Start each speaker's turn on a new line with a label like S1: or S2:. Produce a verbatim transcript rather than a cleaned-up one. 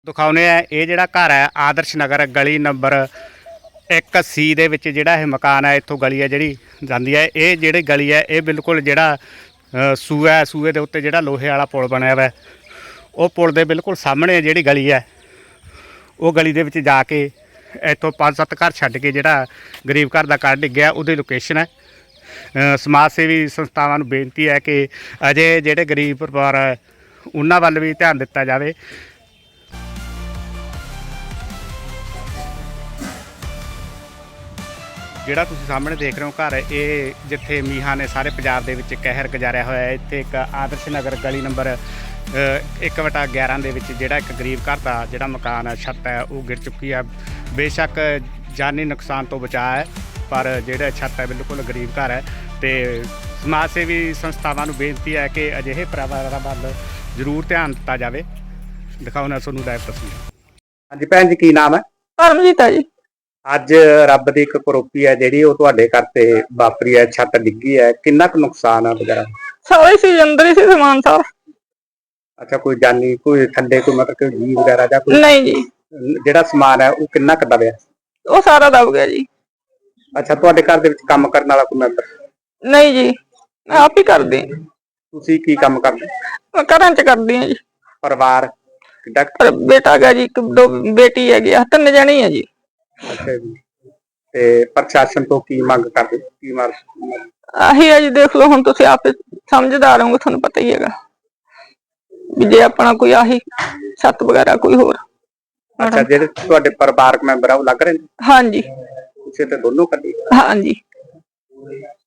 S1: ਦਿਖਾਉਂਦੇ ਆ ਇਹ ਜਿਹੜਾ ਘਰ ਹੈ ਆਦਰਸ਼ ਨਗਰ ਗਲੀ ਨੰਬਰ ਇੱਕ ਸੀ ਦੇ ਵਿੱਚ ਜਿਹੜਾ ਇਹ ਮਕਾਨ ਹੈ। ਇੱਥੋਂ ਗਲੀ ਹੈ ਜਿਹੜੀ ਜਾਂਦੀ ਹੈ। ਇਹ ਜਿਹੜੀ ਗਲੀ ਹੈ ਇਹ ਬਿਲਕੁਲ ਜਿਹੜਾ ਅ, ਸੂਆ ਹੈ, ਸੂਏ ਦੇ ਉੱਤੇ ਜਿਹੜਾ ਲੋਹੇ ਵਾਲਾ ਪੁਲ ਬਣਿਆ ਹੋਇਆ ਉਹ ਪੁਲ ਦੇ ਬਿਲਕੁਲ ਸਾਹਮਣੇ ਜਿਹੜੀ ਗਲੀ ਹੈ ਉਹ ਗਲੀ ਦੇ ਵਿੱਚ ਜਾ ਕੇ ਇੱਥੋਂ ਪੰਜ ਸੱਤ ਘਰ ਛੱਡ ਕੇ ਜਿਹੜਾ ਗਰੀਬ ਘਰ ਦਾ ਘਰ ਡਿੱਗਿਆ ਉਹਦੀ ਲੋਕੇਸ਼ਨ ਹੈ। ਅ, ਸਮਾਜ ਸੇਵੀ ਸੰਸਥਾਵਾਂ ਨੂੰ ਬੇਨਤੀ ਹੈ ਕਿ ਅਜੇ ਜਿਹੜੇ ਗਰੀਬ ਪਰਿਵਾਰ ਹੈ ਉਹਨਾਂ ਵੱਲ ਵੀ ਧਿਆਨ ਦਿੱਤਾ ਜਾਵੇ। ਜਿਹੜਾ ਤੁਸੀਂ ਸਾਹਮਣੇ ਦੇਖ ਰਹੇ ਹੋ ਘਰ ਇਹ ਜਿੱਥੇ ਮੀਂਹਾਂ ਨੇ ਸਾਰੇ ਪੰਜਾਬ ਦੇ ਵਿੱਚ ਕਹਿਰ ਗੁਜ਼ਾਰਿਆ ਹੋਇਆ ਹੈ। ਇੱਥੇ ਇੱਕ ਆਦਰਸ਼ ਨਗਰ ਗਲੀ ਨੰਬਰ ਇੱਕ ਵਟਾ ਗਿਆਰਾਂ ਦੇ ਵਿੱਚ ਜਿਹੜਾ ਇੱਕ ਗਰੀਬ ਘਰ ਦਾ ਜਿਹੜਾ ਮਕਾਨ ਹੈ ਛੱਤ ਹੈ ਉਹ ਗਿਰ ਚੁੱਕੀ ਹੈ। ਬੇਸ਼ੱਕ ਜਾਨੀ ਨੁਕਸਾਨ ਤੋਂ ਬਚਾ ਹੈ ਪਰ ਜਿਹੜਾ ਛੱਤ ਹੈ ਬਿਲਕੁਲ ਗਰੀਬ ਘਰ ਹੈ। ਤੇ ਸਮਾਜ ਸੇਵੀ ਸੰਸਥਾਵਾਂ ਨੂੰ ਬੇਨਤੀ ਹੈ ਕਿ ਅਜਿਹੇ ਪਰਿਵਾਰਾਂ ਵੱਲ ਜ਼ਰੂਰ ਧਿਆਨ ਦਿੱਤਾ ਜਾਵੇ। ਦਿਖਾਉਣਾ ਤੁਹਾਨੂੰ ਲਾਈਵ ਤਸਵੀਰ। ਹਾਂਜੀ ਭੈਣ ਜੀ, ਕੀ ਨਾਮ ਹੈ?
S2: ਪਰਮਜੀਤ ਹੈ ਜੀ।
S1: ਅੱਜ ਰੱਬ ਦੀ ਇੱਕ ਕਰੋਪੀ ਹੈ ਜਿਹੜੀ ਉਹ ਤੁਹਾਡੇ ਘਰ ਤੇ ਵਾਪਰੀ ਹੈ, ਛੱਤ ਡਿੱਗੀ ਹੈ, ਕਿੰਨਾ ਕੁ ਨੁਕਸਾਨ ਹੈ ਵਗੈਰਾ?
S2: ਸਾਰੇ ਸੀ ਅੰਦਰ ਹੀ ਸੀ ਸਮਾਨ ਸਾਰਾ।
S1: ਅੱਛਾ, ਕੋਈ ਜਾਨੀ ਕੋਈ ਥੱਲੇ ਕੋਈ ਮਤਲਬ ਕੋਈ ਜੀ ਵਗੈਰਾ ਜਾਂ ਕੋਈ?
S2: ਨਹੀਂ ਜੀ,
S1: ਜਿਹੜਾ ਸਮਾਨ ਹੈ ਉਹ ਕਿੰਨਾ ਕੁ ਦਬਿਆ?
S2: ਉਹ ਸਾਰਾ ਦਬ ਗਿਆ ਜੀ।
S1: ਅੱਛਾ, ਤੁਹਾਡੇ ਘਰ ਦੇ ਵਿੱਚ ਕੰਮ ਕਰਨ ਵਾਲਾ ਕੋਈ ਮੈਂਬਰ?
S2: ਨਹੀਂ ਜੀ, ਮੈਂ ਆਪ ਹੀ ਕਰਦੀ ਹਾਂ।
S1: ਤੁਸੀਂ ਕੀ ਕੰਮ ਕਰਦੇ?
S2: ਮੈਂ ਘਰਾਂ ਚ ਕਰਦੀ ਹਾਂ ਜੀ।
S1: ਪਰਿਵਾਰ ਕਿੱਡਾ?
S2: ਪਰ ਬੇਟਾ ਹੈਗਾ ਜੀ, ਇੱਕ ਦੋ ਬੇਟੀ ਹੈਗੀ ਆ, ਤਿੰਨ ਜਣੇ ਆ ਜੀ। ਅੱਛਾ
S1: ਜੀ, ਤੇ ਪ੍ਰਸ਼ਾਸਨ ਤੋਂ ਕੀ ਮੰਗ ਕਰਦੇ? ਕੀ ਮਾਰ
S2: ਆਹੀ ਹੈ ਜੀ, ਦੇਖ ਲਓ ਹੁਣ ਤੁਸੀਂ ਆਪ ਸਮਝਦਾਰ ਹੋਗੇ, ਤੁਹਾਨੂੰ ਪਤਾ ਹੀ ਹੈਗਾ ਵੀ ਜੇ ਆਪਣਾ ਕੋਈ ਆਹੀ ਛੱਤ ਵਗੈਰਾ ਕੋਈ ਹੋਰ।
S1: ਅੱਛਾ, ਜਿਹੜੇ ਤੁਹਾਡੇ ਪਰਿਵਾਰਕ ਮੈਂਬਰ ਆ ਉਹ ਲੱਗ ਰਹੇ ਨੇ?
S2: ਹਾਂਜੀ।
S1: ਤੁਸੀਂ ਤੇ ਦੋਨੋਂ ਕੱਢੀ?
S2: ਹਾਂਜੀ।